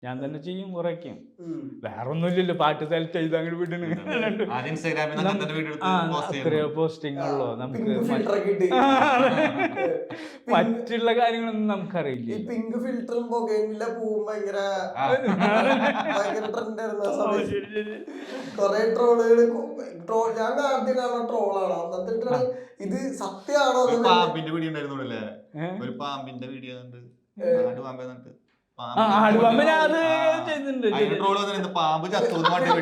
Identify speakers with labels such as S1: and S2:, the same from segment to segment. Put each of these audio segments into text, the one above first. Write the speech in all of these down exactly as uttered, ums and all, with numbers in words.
S1: ഞാൻ തന്നെ ചെയ്യും കുറയ്ക്കും. വേറെ ഒന്നുമില്ലല്ലോ, പാട്ട് സെലക്ട് ചെയ്ത് അങ്ങോട്ട് വിടണ്. അത്രയോ പോസ്റ്റിങ്ങുള്ളൂ നമുക്ക്. മറ്റുള്ള കാര്യങ്ങളൊന്നും നമുക്കറിയില്ല.
S2: പിങ്ക് ഫിൽറ്ററും പുകയില്ല പൂവും ഭയങ്കര ഭയങ്കര ട്രെൻഡായിരുന്നു ആ സമയത്ത്. കൊറേ ട്രോളുകള് ട്രോൾ ഞാൻ ആദ്യം കാണുന്ന ട്രോളാണ്. എന്നിട്ട് ഇത് സത്യമാണോ?
S3: പാമ്പിന്റെ വീഡിയോ ഉണ്ടായിരുന്നല്ലേ, ഒരു പാമ്പിന്റെ വീഡിയോ പാമ്പ് ചത്തു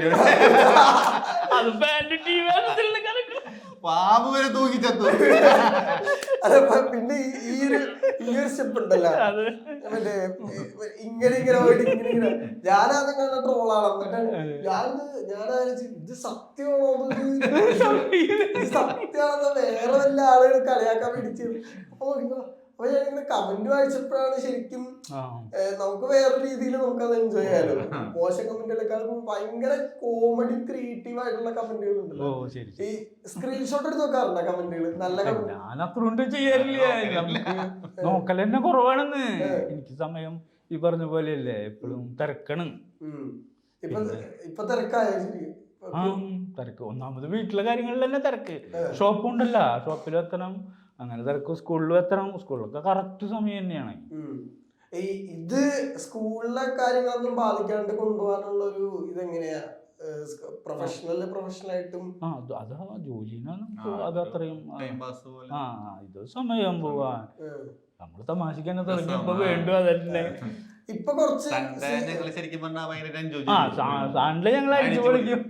S3: പാമ്പ് വരെ തൂക്കി ചത്തു.
S2: പിന്നെ ഈ ഒരു ഈ ഒരു സ്റ്റെപ്പ് ഉണ്ടല്ലോ മറ്റേ ഇങ്ങനെ ഇങ്ങനെ പോയിട്ട് ഇങ്ങനെ ഇങ്ങനെ ഞാനത് കാണുന്ന ട്രോളാണ്. എന്നിട്ട് ഞാൻ ഞാനാലോചിച്ചു ഇത് സത്യമാണോ, ഇത് സത്യമാണെന്ന് വേറെ വല്ല ആളുകൾ കളിയാക്കാൻ വേണ്ടി. അപ്പൊ അപ്പൊ ഞാനിങ്ങനെ കമന്റ് വായിച്ചപ്പോഴാണ് ശരിക്കും നമുക്ക് വേറെ രീതിയിൽ നമുക്കത് എൻജോയ് ചെയ്യാലോ. മോശം കമന്റുകളെക്കാളും ഭയങ്കര കോമഡി ക്രിയേറ്റീവ് ആയിട്ടുള്ള കമന്റുകൾ ഉണ്ടല്ലോ. ഈ സ്ക്രീൻഷോട്ട് എടുത്ത് നോക്കാറുണ്ടോ കമന്റുകൾ? നല്ല കമന്റ്
S1: ഞാൻ അത്ര ചെയ്യാറില്ല, നോക്കൽ തന്നെ കുറവാണെന്ന്. എനിക്ക് സമയം ഈ പറഞ്ഞ പോലെയല്ലേ, എപ്പോഴും തിരക്കാണ്.
S2: ഇപ്പൊ ഇപ്പൊ തിരക്കായ
S1: തിരക്ക് ഒന്നാമത് വീട്ടിലെ കാര്യങ്ങളിൽ തന്നെ തിരക്ക്. ഷോപ്പുണ്ടല്ലോ, ഷോപ്പിൽ എത്തണം, അങ്ങനെ തിരക്ക്. സ്കൂളിലും എത്തണം, സ്കൂളിലൊക്കെ കറക്റ്റ് സമയം തന്നെയാണ്.
S2: ഈ ഇത് സ്കൂളിലെ കാര്യങ്ങളൊന്നും ബാധിക്കാണ്ട് കൊണ്ടുപോകാനുള്ള ഒരു ഇതെങ്ങനെയാ? പ്രൊഫഷണൽ പ്രൊഫഷണൽ ആയിട്ടും
S1: അതാ ജോലിനാണ് അത് അത്രയും. ആ ഇത് സമയം പോവാൻ നമ്മള് തമാശക്ക് തന്നെ തുടങ്ങിയപ്പോ വേണ്ടു അതല്ലേ.
S2: ഇപ്പൊ കുറച്ച്
S3: ശരിക്കും
S1: സാണ്ടില് ഞങ്ങൾ അടിച്ചു പൊളിക്കും.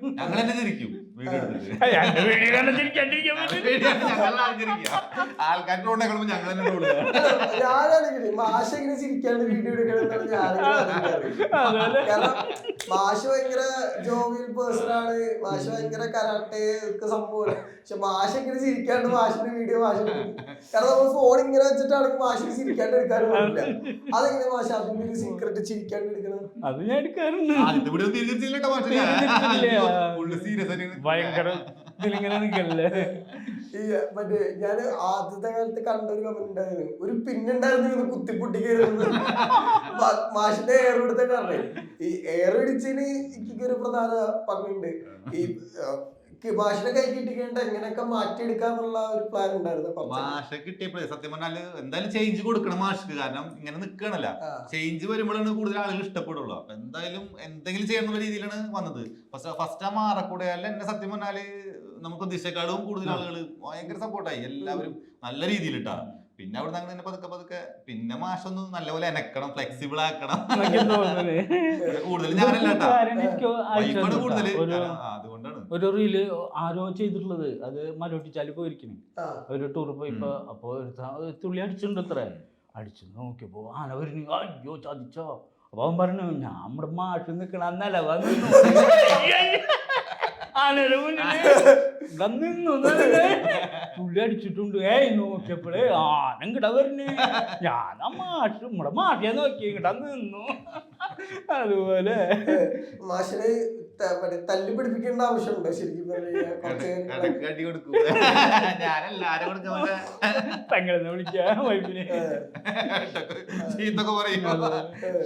S2: ഞാനാണെങ്കിൽ മാഷ ഇങ്ങനെ ചിരിക്കാണ്ട് വീഡിയോ എടുക്കണമെന്നാണ് ഞാൻ. കാരണം മാഷ് ഭയങ്കര ജോവിയൽ പേഴ്സൺ ആണ്, മാഷ് ഭയങ്കര കരാട്ടെ ഒക്കെ സംഭവമാണ്. പക്ഷെ മാഷ ഇങ്ങനെ ചിരിക്കാണ്ട് മാഷിന്റെ വീഡിയോ മാഷ കാരണം നമ്മൾ ഫോൺ ഇങ്ങനെ വെച്ചിട്ടാണെങ്കിൽ മാഷിന് ചിരിക്കാണ്ട് എടുക്കാനും പറ്റില്ല. അതെങ്ങനെ മാഷ അതിന്റെ ഒരു സീക്രട്ട് ചിരിക്കാണ്ട് എടുക്കണം?
S1: അത് ഞാൻ എടുക്കാറുണ്ട്. ഭയങ്കര ഇതിലിങ്ങനെ നിൽക്കല്ലേ.
S2: ഈ മറ്റേ ഞാൻ ആദ്യത്തെ കാലത്ത് കണ്ട ഒരു കമന്റ് ഉണ്ടായിരുന്നു, ഒരു പിന്നുണ്ടായിരുന്നു കുത്തിപ്പൊട്ടി കയറുന്നത്. മാഷിന്റെ എയർ എടുത്ത കാരണം ഈ എയർ ഇടിച്ചതിന് എനിക്ക് ഒരു പ്രധാന പങ്കുണ്ട്. ഈ മാഷിനെ കൈ കിട്ടിക്കേണ്ട എങ്ങനെയൊക്കെ മാറ്റിയെടുക്കാന്നുള്ള ഒരു പ്ലാൻ ഉണ്ടായിരുന്നു.
S3: മാഷ കിട്ടിയപ്പോഴേ സത്യം പറഞ്ഞാല് എന്തായാലും ചേഞ്ച് കൊടുക്കണം മാഷ്ക്ക്. കാരണം ഇങ്ങനെ നിക്കണല്ല, ചേഞ്ച് വരുമ്പോഴാണ് കൂടുതൽ ആളുകൾ ഇഷ്ടപ്പെടുള്ളൂ. അപ്പൊ എന്തായാലും എന്തെങ്കിലും ചെയ്യുന്ന രീതിയിലാണ് വന്നത്. ഫസ്റ്റ് ഫസ്റ്റ് ആ മാറക്കൂടെയല്ല എന്നെ സത്യം പറഞ്ഞാല് നമുക്ക് പ്രതീക്ഷക്കാളും കൂടുതൽ ആളുകൾ ഭയങ്കര സപ്പോർട്ടായി, എല്ലാവരും നല്ല രീതിയിൽ ഇട്ടാ. പിന്നെ അവിടെ നിന്ന് അങ്ങനെ പതുക്കെ പതുക്കെ പിന്നെ മാഷൊന്ന് നല്ലപോലെ എനക്കണം, ഫ്ലെക്സിബിൾ ആക്കണം. കൂടുതൽ ഞാനല്ല കൂടുതല്, അതുകൊണ്ടാണ്
S1: ഒരു റീല് ആരോ ചെയ്തിട്ടുള്ളത്. അത് മലോട്ടിച്ചാല് പോയിരിക്കണേ ഒരു ടൂർ പോയിപ്പോ. അപ്പൊ ഒരു തുള്ളി അടിച്ചിട്ടുണ്ട്, ഇത്ര അടിച്ചു നോക്കിയപ്പോ ആന വരുന്നു. അയ്യോ ചതിച്ചോ. അപ്പൊ അവൻ പറഞ്ഞു ഞാൻ നമ്മുടെ മാഷ് നിക്കണ അന്നല്ല വന്നു ആനയുടെ മുന്നിൽ തുള്ളി അടിച്ചിട്ടുണ്ട്. ഏയ് നോക്കിയപ്പോഴേ ആന ഇങ്ങട വരുന്നു. ഞാൻ ആ മാഷ് നമ്മുടെ മാഷിയെ നോക്കി ഇങ്ങട നിന്നു. അതുപോലെ
S2: മാഷിനെ തല്ലി പിടിപ്പിക്കേണ്ട ആവശ്യമുണ്ടോ ശരിക്കും?
S1: പെങ്ങളെന്ന് വിളിക്കാം വൈഫിനെ.